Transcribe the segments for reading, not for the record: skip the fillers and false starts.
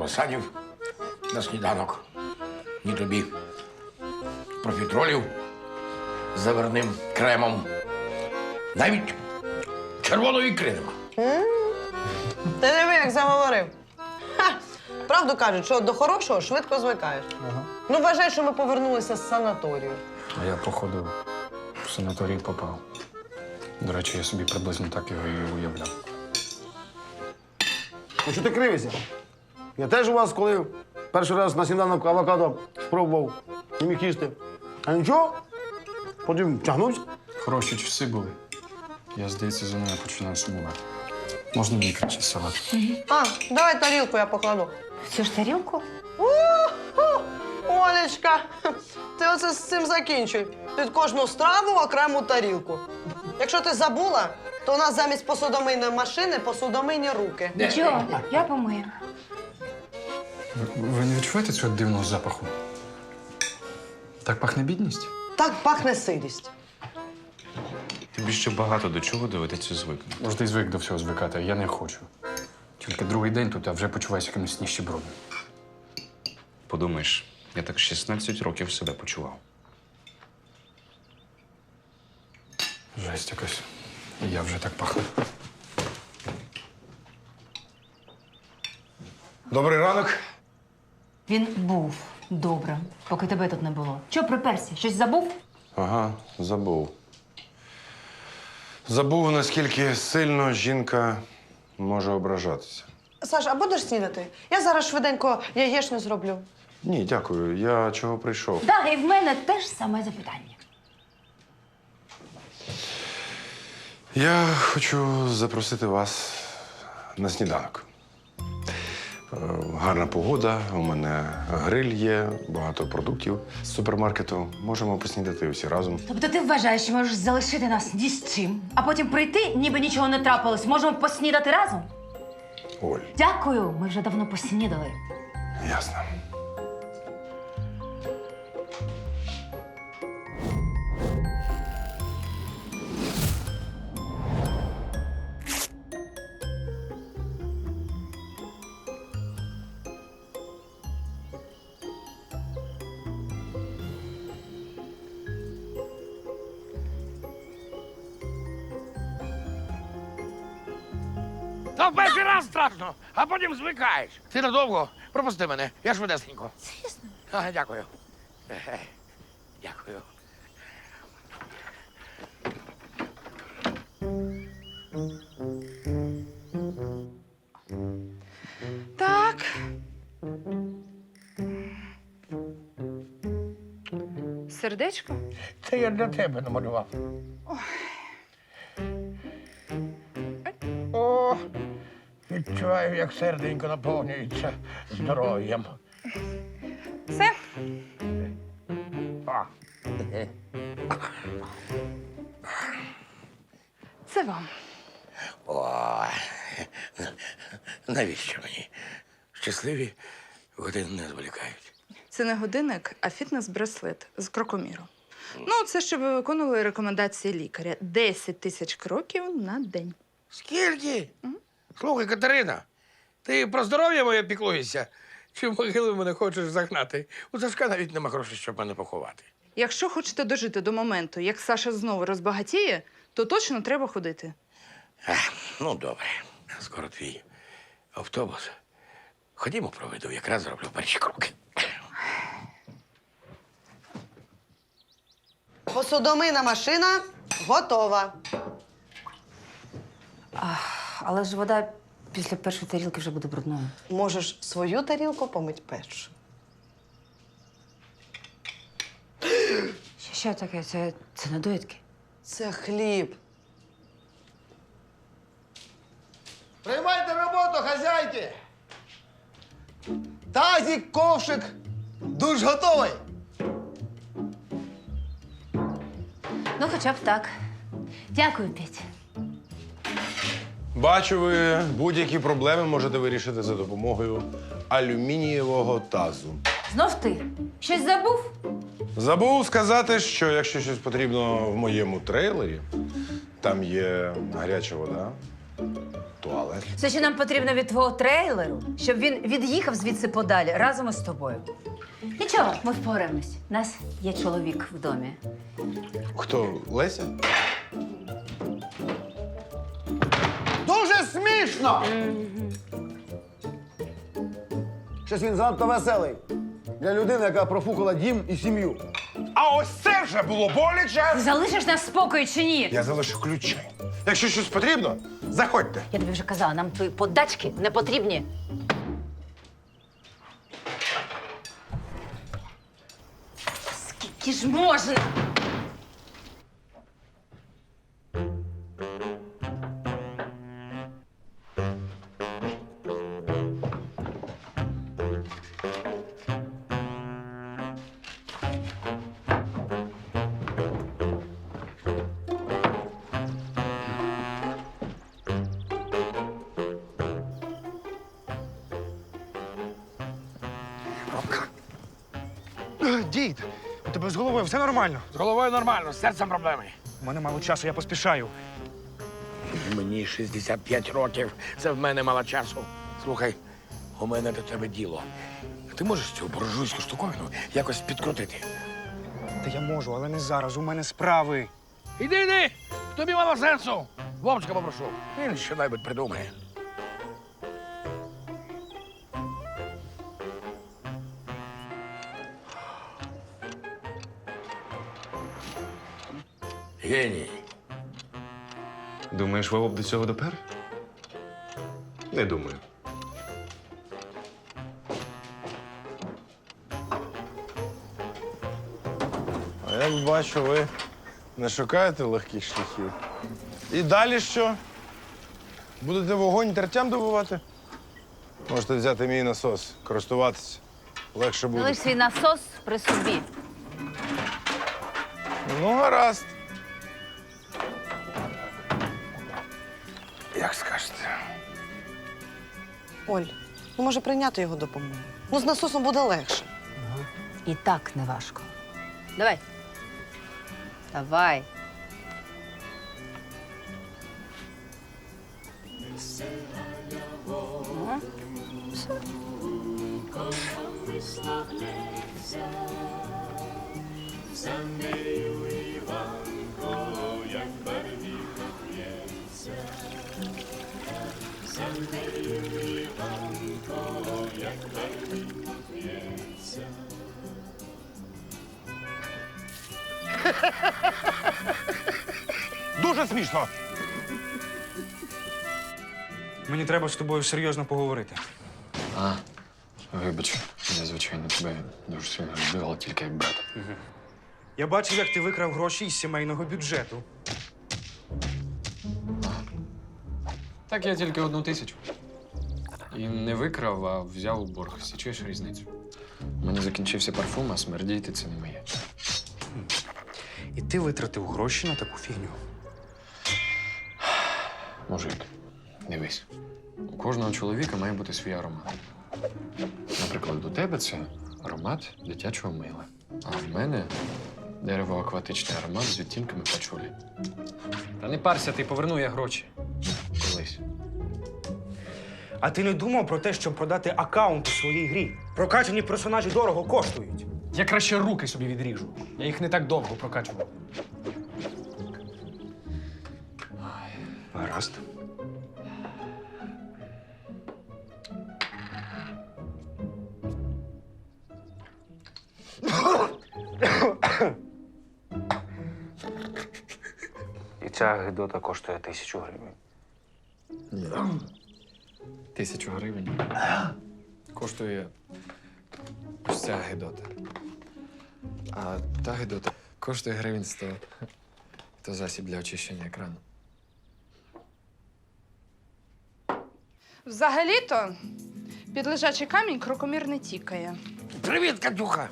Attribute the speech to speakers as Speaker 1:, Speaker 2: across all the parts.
Speaker 1: круасанів на сніданок, ні тобі профітролів з заварним кремом. Навіть червоної ікри нема.
Speaker 2: Ти диви, як заговорив. Ха! Правду кажуть, що до хорошого швидко звикаєш.
Speaker 3: Ага.
Speaker 2: Ну, вважай, що ми повернулися з санаторію.
Speaker 3: А я, походу, в санаторій попав. До речі, я собі приблизно так його і уявляв.
Speaker 4: Ну що ти кривишся? Я теж у вас, коли перший раз на сніданок авокадо спробував, не міг їсти. А нічого, потім тягнувся.
Speaker 3: Хороші часи були. Я, здається, за нею починаю сумувати. Можна мені краще салат?
Speaker 2: А, давай тарілку я покладу.
Speaker 5: Цю ж тарілку?
Speaker 2: Олечка, ти оце з цим закінчуй. Під кожну страву окрему тарілку. Якщо ти забула, то у нас замість посудомийної машини посудомийні руки.
Speaker 5: Нічого, я помию.
Speaker 3: Ви не відчуваєте цього дивного запаху? Так пахне бідність?
Speaker 2: Так пахне сирість.
Speaker 6: Тобі ще багато до чого доведеться звикнути.
Speaker 3: Може, ти звик до всього звикати, а я не хочу. Тільки другий день тут, а вже почуваюся якимось ніщебродом.
Speaker 6: Подумаєш, я так 16 років себе почував.
Speaker 3: Жесть якась. І я вже так пахну.
Speaker 1: Добрий ранок.
Speaker 5: Він був добрим, поки тебе тут не було. Чого приперся? Щось забув?
Speaker 7: Ага, забув. Забув, наскільки сильно жінка може ображатися.
Speaker 2: Саш, а будеш снідати? Я зараз швиденько яєчню зроблю.
Speaker 7: Ні, дякую. Я чого прийшов?
Speaker 5: Так, і в мене теж саме запитання.
Speaker 7: Я хочу запросити вас на сніданок. Гарна погода, у мене гриль є, багато продуктів з супермаркету. Можемо поснідати усі разом.
Speaker 5: Тобто ти вважаєш, що можеш залишити нас ні з чим, а потім прийти, ніби нічого не трапилось. Можемо поснідати разом?
Speaker 7: Оль,
Speaker 5: Дякую, ми вже давно поснідали.
Speaker 7: ясно.
Speaker 1: Та в перший раз страшно, а потім звикаєш. Ти надовго. Пропусти мене, я швидесенько.
Speaker 5: Звісно.
Speaker 1: Ага, дякую. Дякую.
Speaker 8: Так. Сердечко?
Speaker 1: Це я для тебе намалював. О, відчуваю, як серденько наповнюється здоров'ям.
Speaker 8: Все?
Speaker 1: А.
Speaker 8: Це вам.
Speaker 1: О, навіщо мені? Щасливі години не зволікають.
Speaker 8: Це не годинник, а фітнес-браслет з крокоміру. Ну, це щоб ви виконували рекомендації лікаря. 10 тисяч кроків на день.
Speaker 1: Скільки? Слухай, Катерина, ти про здоров'я моє піклуєшся? Чи в могилу мене хочеш загнати? У Сашка навіть нема грошей, щоб мене поховати.
Speaker 8: Якщо хочете дожити до моменту, як Саша знову розбагатіє, то точно треба ходити.
Speaker 1: Ну, добре. Скоро твій автобус. Ходімо, проведу, якраз зроблю перші кроки.
Speaker 2: Посудомийна машина готова.
Speaker 5: Але ж вода після першої тарілки вже буде брудною.
Speaker 2: Можеш свою тарілку помить першу.
Speaker 5: Що таке? Це недоїдки?
Speaker 2: Це хліб.
Speaker 4: Приймайте роботу, хазяйки! Тазик, ковшик, душ готовий.
Speaker 5: Ну, хоча б так. Дякую, Петя.
Speaker 7: Бачу, ви будь-які проблеми можете вирішити за допомогою алюмінієвого тазу.
Speaker 5: Знов ти? Щось забув?
Speaker 7: Забув сказати, що якщо щось потрібно в моєму трейлері, там є гаряча вода,
Speaker 9: туалет.
Speaker 5: Все, що нам потрібно від твого трейлеру, щоб він від'їхав звідси подалі разом із тобою. Нічого, ми впораємось. У нас є чоловік в домі.
Speaker 9: Хто? Леся?
Speaker 4: Дуже смішно! Щось він занадто веселий. Для людини, яка профукала дім і сім'ю.
Speaker 9: А ось це вже було боляче!
Speaker 5: Ти залишиш нас в спокої чи ні?
Speaker 9: Я залишу ключі. Якщо щось потрібно, заходьте.
Speaker 5: Я тобі вже казала, нам твої подачки не потрібні. Скільки ж можна?
Speaker 10: Дід, у тебе з головою все нормально?
Speaker 1: З головою нормально, з серцем проблеми.
Speaker 10: У мене мало часу, я поспішаю.
Speaker 1: Мені 65 років, це в мене мало часу. Слухай, у мене до тебе діло. Ти можеш цю буржуйську штуковину якось підкрутити?
Speaker 10: Та я можу, але не зараз. У мене справи.
Speaker 1: Іди! Тобі мало сенсу! Вовчика попрошу. Він що-небудь придумає. Геній.
Speaker 6: Думаєш, Вова б до цього допер?
Speaker 7: Не думаю.
Speaker 9: А я бачу, ви не шукаєте легких шляхів. І далі що? Будете вогонь тертям добувати? Можете взяти мій насос, користуватися. Легше буде.
Speaker 5: Залиш свій насос при собі.
Speaker 9: Ну, гаразд.
Speaker 1: Як скажете.
Speaker 2: Оль, ну може прийняти його допомогу? Ну, з насосом буде легше.
Speaker 5: І так не важко. Давай. Давай.
Speaker 9: Дуже смішно.
Speaker 10: Мені треба з тобою серйозно поговорити.
Speaker 3: Вибач, я, звичайно, тебе дуже сильно люблю, але тільки як брата.
Speaker 10: Я бачив, як ти викрав гроші із сімейного бюджету.
Speaker 3: Так я тільки 1 тисячу. І не викрав, а взяв у борг. Січуєш різницю? У мене закінчився парфум, а смердіти це не моє.
Speaker 10: І ти витратив гроші на таку фігню.
Speaker 3: Мужик, дивись. У кожного чоловіка має бути свій аромат. Наприклад, у тебе це аромат дитячого мила. А в мене дерево-акватичний аромат з відтінками пачулі. Та не парся, ти поверну я гроші. Колись.
Speaker 10: А ти не думав про те, щоб продати аккаунт у своїй грі? Прокачані персонажі дорого коштують.
Speaker 3: Я краще руки собі відріжу. Я їх не так довго прокачував.
Speaker 10: Гаразд. І ця гидота коштує 1000 гривень.
Speaker 3: 1000 гривень. Коштує ось ця гидота. А та гидота коштує гривень 100. То засіб для очищення екрану.
Speaker 8: Взагалі-то під лежачий камінь крокомір не тікає.
Speaker 1: Привіт, Катюха!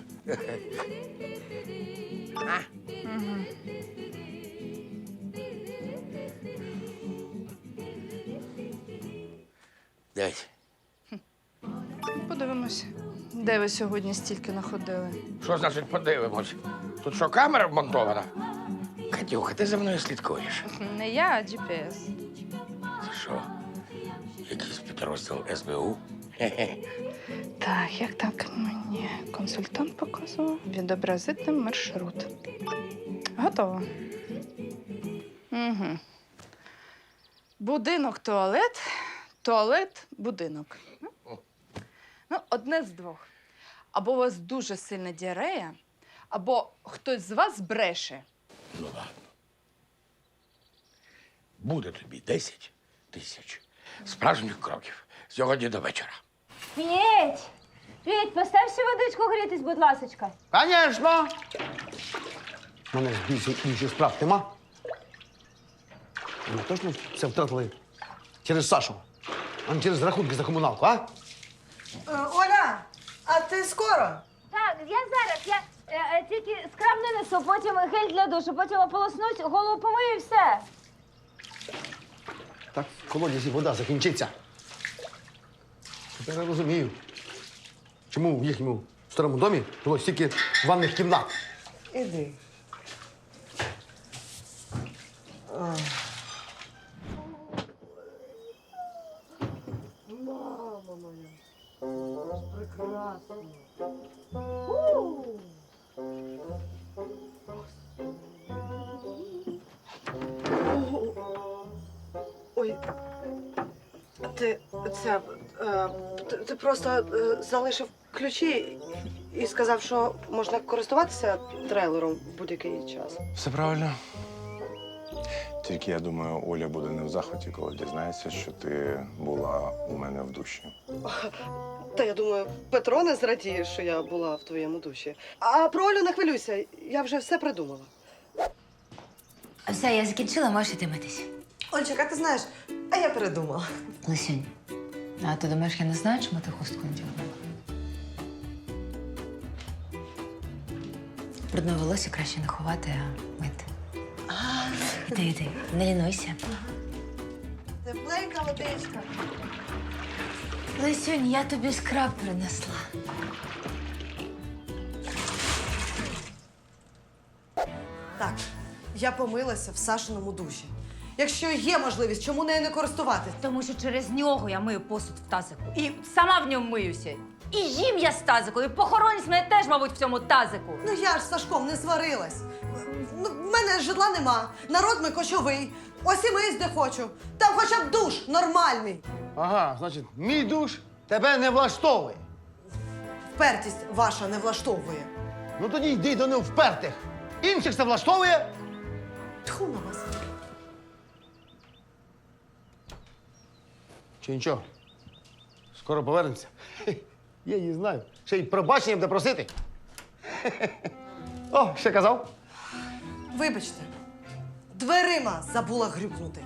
Speaker 1: Дядь,
Speaker 8: Подивимось, де ви сьогодні стільки находили.
Speaker 1: що значить подивимось? Тут що, камера вмонтована? Катюха, ти за мною слідкуєш.
Speaker 8: Не я, а GPS.
Speaker 1: Це що? якийсь підрозділ СБУ.
Speaker 8: Так, як так мені консультант показував? Відобразити маршрут. Готово. Угу. Будинок, туалет, туалет, будинок. Ну, одне з двох. Або у вас дуже сильна діарея, або хтось з вас бреше.
Speaker 1: Ну ладно. Буде тобі 10 тисяч справжніх кроків сьогодні до вечора.
Speaker 5: Петь! Петь, постав ще водичку грітись, будь ласочка.
Speaker 4: Звісно! У мене ж більше інших справ нема. Ми точно все втратили через Сашу, а не через рахунки за комуналку, а?
Speaker 2: Оля, а ти скоро?
Speaker 5: Так, я зараз. Я тільки скраб не несу, потім гель для душу, потім ополоснусь, голову помию і все.
Speaker 4: Так в колодязі вода закінчиться. Тепер я розумію, чому в їхньому старому домі було стільки ванних кімнат.
Speaker 2: Іди. Ой, ти просто залишив ключі і сказав, що можна користуватися трейлером в будь-який час.
Speaker 9: Все правильно. Тільки я думаю, Оля буде не в захваті, коли дізнається, що ти була у мене в душі.
Speaker 2: Та я думаю, Петро не зрадіє, що я була в твоєму душі. А про Олю не хвилюйся, я вже все придумала.
Speaker 5: Все, я закінчила, можеш іти митись.
Speaker 2: Ольчик, а ти знаєш, а я передумала.
Speaker 5: Лисюнь, а ти думаєш, я не знаю, чому ти хустку надягнула? Брудне волосся краще не ховати, а мити. Іди, не лінуйся.
Speaker 2: Тепленька водичка.
Speaker 5: Лисюнь, я тобі скраб принесла.
Speaker 2: Так, я помилася в Сашиному душі. Якщо є можливість, чому нею не користуватись?
Speaker 5: Тому що через нього я мию посуд в тазику. І сама в ньому миюся. І їм я з тазику, і похоронять мене теж, мабуть, в цьому тазику.
Speaker 2: Ну я ж з Сашком не сварилась. Ну, в мене житла нема, народ ми кочовий. Ось і миюсь, де хочу. Там хоча б душ нормальний.
Speaker 4: Ага, значить, мій душ тебе не влаштовує.
Speaker 2: Впертість ваша не влаштовує.
Speaker 4: Ну тоді йди до невпертих. Інших це влаштовує.
Speaker 2: Тьху на вас.
Speaker 4: Чи нічого? Скоро повернемося. Хе, я її знаю. Ще й пробачення буде просити. Хе-хе-хе. О, ще казав.
Speaker 2: Вибачте, дверима забула грюкнути.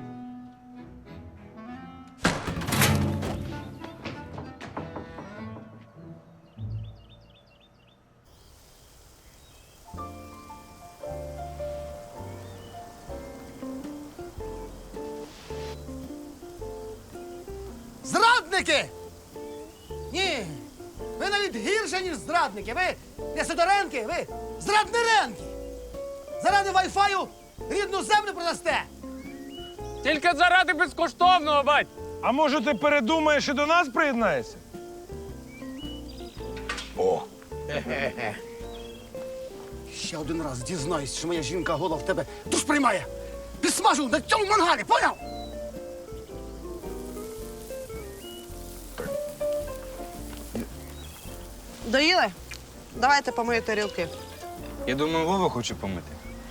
Speaker 4: Зрадники! Ні, ви навіть гірше, ніж зрадники. Ви не Сидоренки, ви зрадниренки. Заради вайфаю рідну землю продасте.
Speaker 1: Тільки заради безкоштовного, бать!
Speaker 9: А може ти передумаєш і до нас приєднаєшся?
Speaker 1: О,
Speaker 4: Ще один раз дізнаюсь, що моя жінка гола в тебе душ приймає. Підсмажу на цьому мангалі, поняв?
Speaker 2: Доїли? Давайте помию тарілки.
Speaker 6: Я думаю, Вова хоче помити.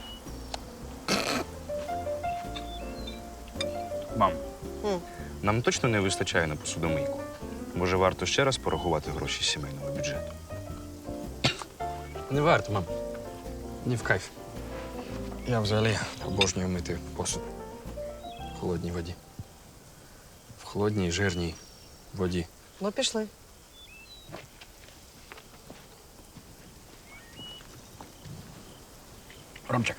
Speaker 6: Мам, нам точно не вистачає на посудомийку. Може, варто ще раз порахувати гроші з сімейного бюджету?
Speaker 3: Не варто, мам. Ні в кайф. Я взагалі обожнюю мити посуд в холодній воді. В холодній, жирній воді.
Speaker 2: Ну, пішли.
Speaker 1: Ромчик,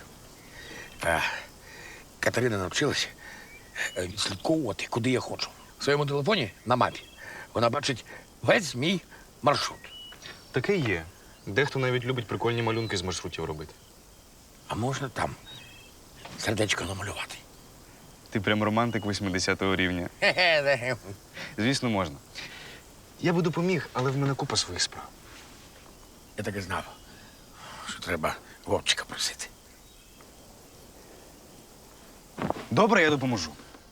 Speaker 1: Катерина навчилась відслідковувати, куди я хочу. В своєму телефоні на мапі вона бачить весь мій маршрут.
Speaker 6: Таке є. Дехто навіть любить прикольні малюнки з маршрутів робити.
Speaker 1: А можна там сердечко намалювати?
Speaker 6: Ти прям романтик 80-го рівня. Звісно, можна. Я би допоміг, але в мене купа своїх справ.
Speaker 1: Я так і знав, що треба Вовчика просити.
Speaker 6: Добре, я допоможу.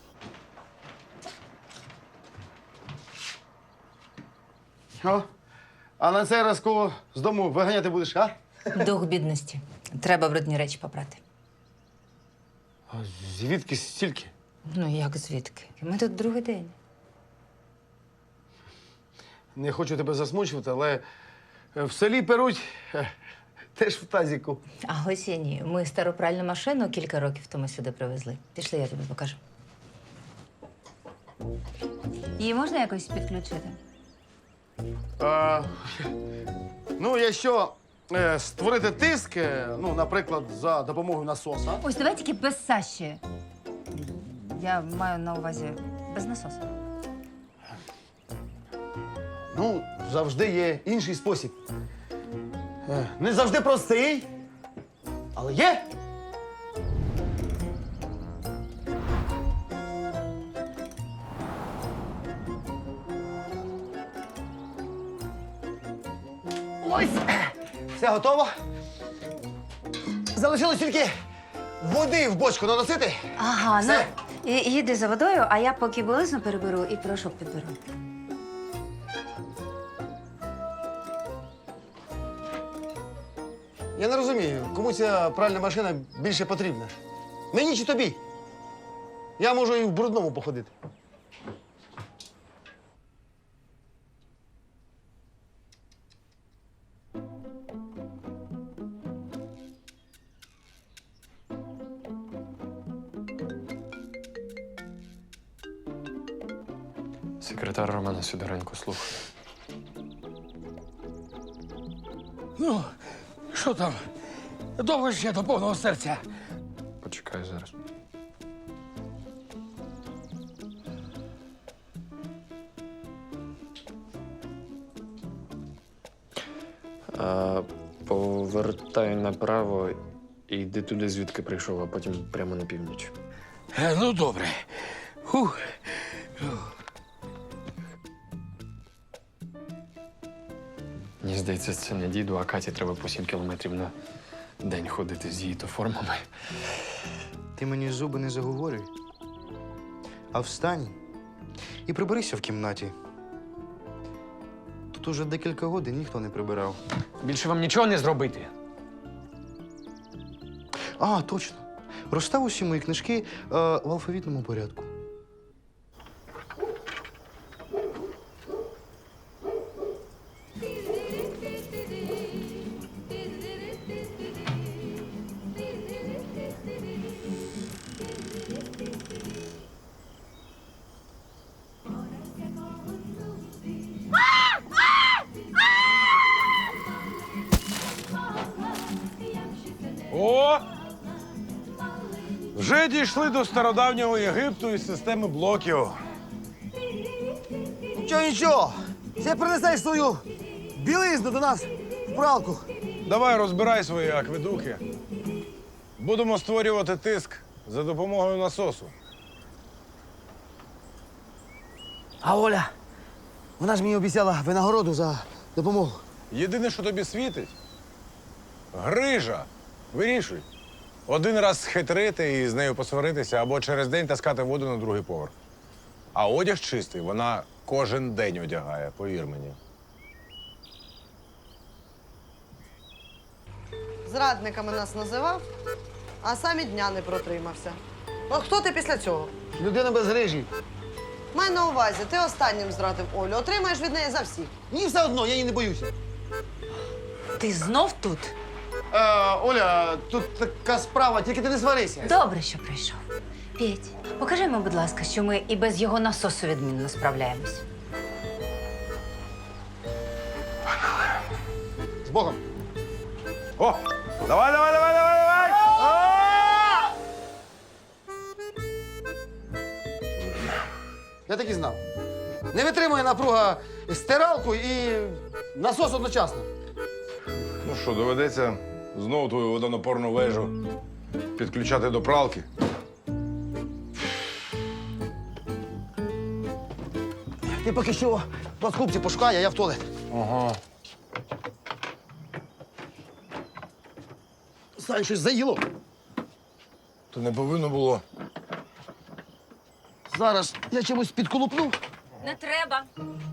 Speaker 4: О, а на цей раз кого з дому виганяти будеш, а?
Speaker 5: Дух бідності. Треба брудні речі попрати.
Speaker 4: А звідки стільки?
Speaker 5: Ну як звідки? Ми тут другий день.
Speaker 4: Не хочу тебе засмучувати, але в селі перуть теж в тазіку.
Speaker 5: А ось і ні. Ми стару пральну машину кілька років тому сюди привезли. Пішли, я тобі покажу. Її можна якось підключити?
Speaker 4: Ну, якщо створити тиск, ну, наприклад, за допомогою насоса.
Speaker 5: Ось давай тільки без Саші. Я маю на увазі без насосу.
Speaker 4: Ну, завжди є інший спосіб. Не завжди простий, але є. Ось! Все готово. Залишилось тільки води в бочку наносити.
Speaker 5: Ага,
Speaker 4: Все.
Speaker 5: ну їди за водою, а я поки білизну переберу і порошок підберу.
Speaker 4: Я не розумію, кому ця пральна машина більше потрібна. Мені чи тобі? Я можу і в брудному походити.
Speaker 3: Секретар Романа Сидоренко слухає.
Speaker 1: Ну, що там? Довго ще до повного серця.
Speaker 3: Почекай зараз. Повертай направо і йди туди, звідки прийшов, а потім прямо на північ.
Speaker 1: Ну, добре. Фух.
Speaker 3: Мені здається, це не діду, а Каті треба по 7 кілометрів на день ходити з її то формами.
Speaker 11: Ти мені зуби не заговорюй, а встань і приберися в кімнаті. Тут уже декілька годин ніхто не прибирав.
Speaker 3: Більше вам нічого не зробити.
Speaker 11: А, точно. Розстав усі мої книжки в алфавітному порядку.
Speaker 9: О! Вже дійшли до стародавнього Єгипту і системи блоків.
Speaker 4: Нічого, нічого. Ти принесеш свою білизну до нас в пралку.
Speaker 9: Давай розбирай свої акведуки. Будемо створювати тиск за допомогою насосу.
Speaker 4: А Оля, вона ж мені обіцяла винагороду за допомогу.
Speaker 9: Єдине, що тобі світить – грижа. Вирішуй. Один раз схитрити і з нею посваритися, або через день таскати воду на другий поверх. А одяг чистий вона кожен день одягає, повір мені.
Speaker 2: Зрадниками нас називав, а сам і дня не протримався. Ну, хто ти після цього?
Speaker 4: Людина без грижі.
Speaker 2: Май на увазі, ти останнім зрадив Олю, отримаєш від неї за всіх.
Speaker 4: Мені все одно, я її не боюся.
Speaker 5: Ти знов тут?
Speaker 4: Оля, тут така справа, тільки ти не сварися.
Speaker 5: Добре, що прийшов. Петь, покажи йому, будь ласка, що ми і без його насосу відмінно справляємось.
Speaker 4: З Богом.
Speaker 9: О! Давай, давай, давай, давай, давай!
Speaker 4: Я так і знав. Не витримує напруга стиралку і насос одночасно.
Speaker 9: Ну що, доведеться знову твою водонапорну вежу підключати до пралки?
Speaker 4: ти поки що по скупці пошукай, а я в туалет.
Speaker 9: Ага.
Speaker 4: Сань, щось заїло.
Speaker 9: То не повинно було.
Speaker 4: Зараз я чимось підколупну.
Speaker 5: Не треба.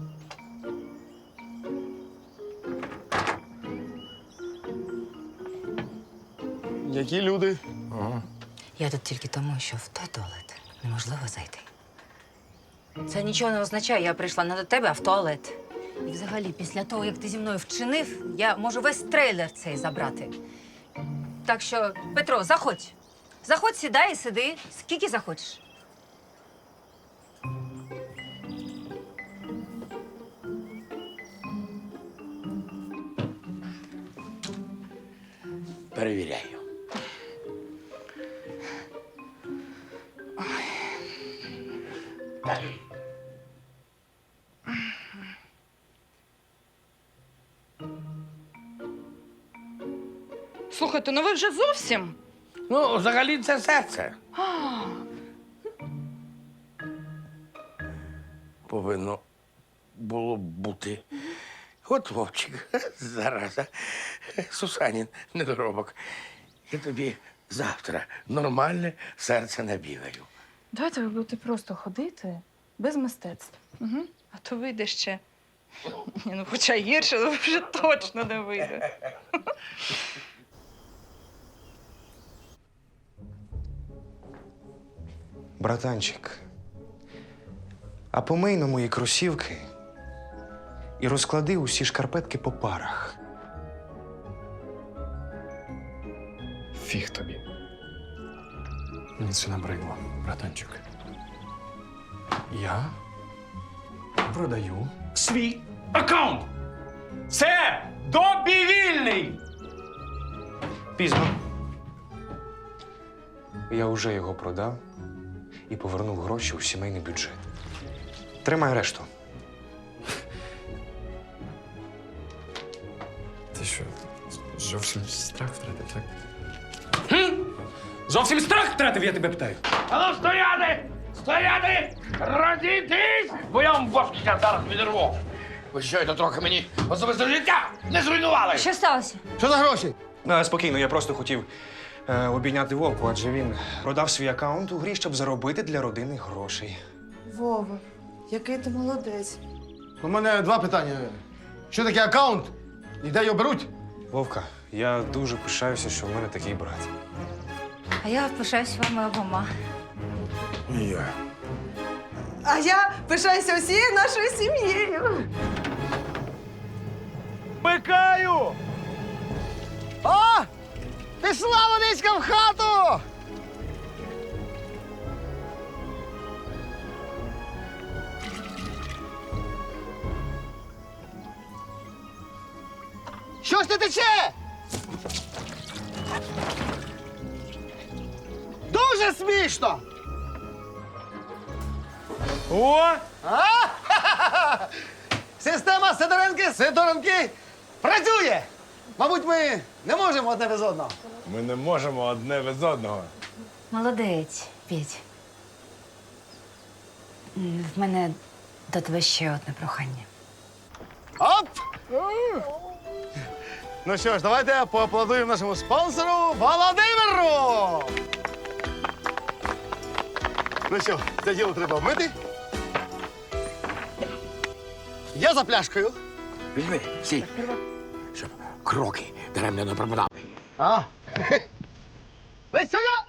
Speaker 9: Які люди?
Speaker 5: Я тут тільки тому, що в той туалет неможливо зайти. Це нічого не означає, я прийшла не до тебе, а в туалет. І взагалі, після того, як ти зі мною вчинив, я можу весь трейлер цей забрати. Так що, Петро, заходь. Заходь, сідай і сиди. Скільки захочеш.
Speaker 1: Перевіряю.
Speaker 8: Слухайте, ну ви вже зовсім?
Speaker 1: Ну, взагалі, це серце. Повинно було б бути. От Вовчик, зараза, Сусанін недоробок. Я тобі завтра нормальне серце набігаю.
Speaker 8: Давайте ви будете просто ходити без мистецтв. Угу. А то вийде ще. Ні, ну хоча гірше, але вже точно не вийде.
Speaker 11: Братанчик, а помий на мої кросівки і розклади усі шкарпетки по парах.
Speaker 3: Фіг тобі. Мені це набридло, братанчик. Я продаю
Speaker 10: Свій аккаунт! Це добівільний!
Speaker 11: Пізно. Я вже його продав і повернув гроші у сімейний бюджет. Тримай решту.
Speaker 3: Ти що, зовсім страх втратив, так?
Speaker 10: Зовсім страх втратив, я тебе питаю.
Speaker 1: Ану, стояти! Стояти! Розійтись! Бо я вам бошки зараз відірву. Ви що, це трохи мені особисте життя не зруйнували?
Speaker 5: Що сталося?
Speaker 4: Що за гроші?
Speaker 11: Спокійно, я просто хотів обійняти Вовку, адже він продав свій аккаунт у грі, щоб заробити для родини грошей.
Speaker 2: Вова, який ти молодець.
Speaker 4: У мене два питання. Що таке аккаунт? І де його беруть?
Speaker 11: Вовка, я дуже пишаюся, що в мене такий брат.
Speaker 5: А я пишаюсь вами обома.
Speaker 9: І я.
Speaker 2: А я пишаюся всією нашою сім'єю.
Speaker 4: Пикаю! О! Пішла водичка в хату! Що ж ти тече? Дуже смішно!
Speaker 9: О!
Speaker 4: Система Сидоренки працює! Мабуть, ми не можемо одне без одного.
Speaker 9: Ми не можемо одне без одного.
Speaker 5: Молодець, Петь. В мене до тебе ще одне прохання.
Speaker 4: Оп! Ну що ж, давайте поаплодуємо нашому спонсору Володимиру! Ну що, це діло треба вмити. Я за пляшкою.
Speaker 1: Візьми, стій. Щоб кроки даремно не пропадали.
Speaker 4: А? Ви сюди!